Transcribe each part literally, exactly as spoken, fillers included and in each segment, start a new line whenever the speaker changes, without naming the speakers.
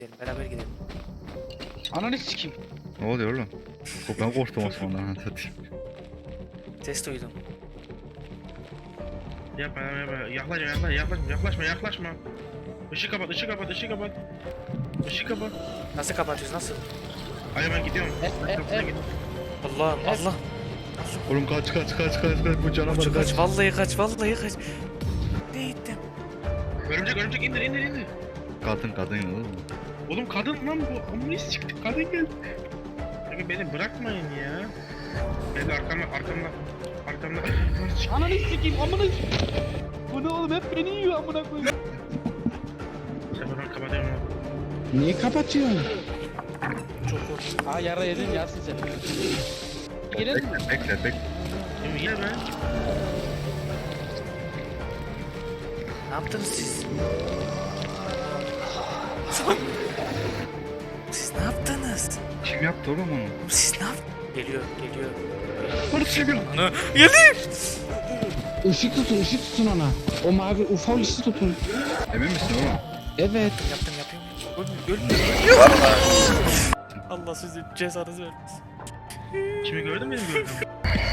Gidelim, beraber gidelim.
Ananı sikeyim.
Ne oluyor oğlum? Ben korktum Osman'dan.
Ses duydum.
Yapma yapma yapma. Yaklaşma yaklaşma yaklaşma yaklaşma. Işığı kapat ışığı kapat ışığı kapat. Işığı kapat.
Nasıl kapatıyoruz, nasıl?
Hadi ben gidiyorum.
E, e,
Kapısına
e.
git.
Allah Allah.
Oğlum kaç kaç kaç kaç kaç bu canavar
Kaç,
kaç.
kaç, vallahi kaç, vallahi kaç. Ne gittim?
Örümcek örümcek indir indir indir.
Kadın kadın oğlum.
Oğlum kadın lan bu. Amnis çıktı kadın geldi. Peki beni bırakmayın ya. Beni arkamda arkamda. Arkamda.
Ananı sikeyim amına. Bu ne oğlum, hep beni yiyor amına koyayım.
Sefer ben kapatıyorum onu.
Niye kapatıyorsun?
Çok korktum.
Aa yara yedin yarsın sen. Girelim mi?
Bekle bekle bekle.
Şimdi ye be.
Ne yaptınız siz? Siz ne yaptınız?
Kim yaptı oğlum onu?
Siz ne yaptınız? Geliyor, geliyor.
Barış çevir.
Ana, geliyor.
Işık tutun, ışık tutun ona. O mavi ufak ışık tutun.
Emin misin oğlum?
Evet.
Yaptım, yapayım. Ölmüyor, ölmüyor. Allah sizin cezanızı vermesin.
Şimdi gördün mü benim gördüğümü?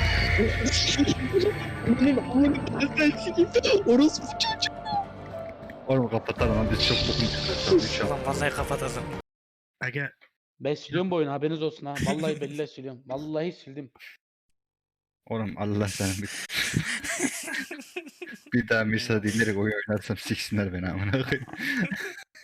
Benim amını sen sikeyim. Orospu çocuk.
Oğlum kapatalım lan biz çok bokun.
Ulan vallahi kapatalım.
Aga.
Ben siliyorum bu oyunu, haberiniz olsun ha. Vallahi billahi siliyorum. Vallahi sildim.
Oğlum Allah sana bir. Bir daha Misa dinleyerek oyun oynarsam siksinler beni amına koyayım.